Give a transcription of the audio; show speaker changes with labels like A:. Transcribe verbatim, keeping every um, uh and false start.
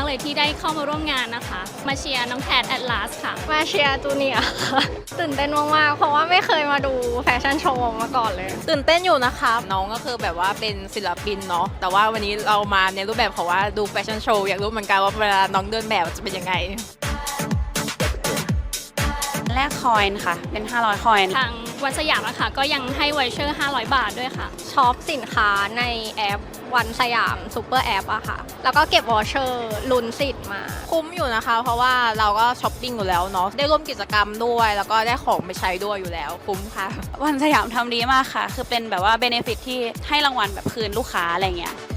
A: เลยที่ได้เข้ามาร่วมงานนะคะมาเชียร์น้องแคทแอตลาสค่ะ
B: มาเชียร์จูเนียร์ค่ะตื่นเต้นมากๆเพราะว่าไม่เคยมาดูแฟชั่นโชว์มาก่อนเลย
C: ตื่นเต้นอยู่นะคะน้องก็คือแบบว่าเป็นศิลปินเนาะแต่ว่าวันนี้เรามาในรูปแบบของว่าดูแฟชั่นโชว์อยากรู้เหมือนกันว่าเวลาน้องเดินแบบจะเป็นยังไง
D: แลกคอยน์ค่ะเป็นห้าร้อยคอยน์
A: ทางวันสยามนะคะก็ยังให้ไวเชอร์ห้าร้อยบาทด้วยค่ะ
B: ช็อปสินค้าในแอปวันสยามซูเปอร์แอปอะค่ะแล้วก็เก็บวอเชอร์ลุ้นสิทธิ์มา
C: คุ้มอยู่นะคะเพราะว่าเราก็ช้อปปิ้งอยู่แล้วเนาะได้ร่วมกิจกรรมด้วยแล้วก็ได้ของไปใช้ด้วยอยู่แล้วคุ้มค่ะ
D: วันสยามทำดีมากค่ะคือเป็นแบบว่าเบเนฟิตที่ให้รางวัลแบบคืนลูกค้าอะไรเงี้ย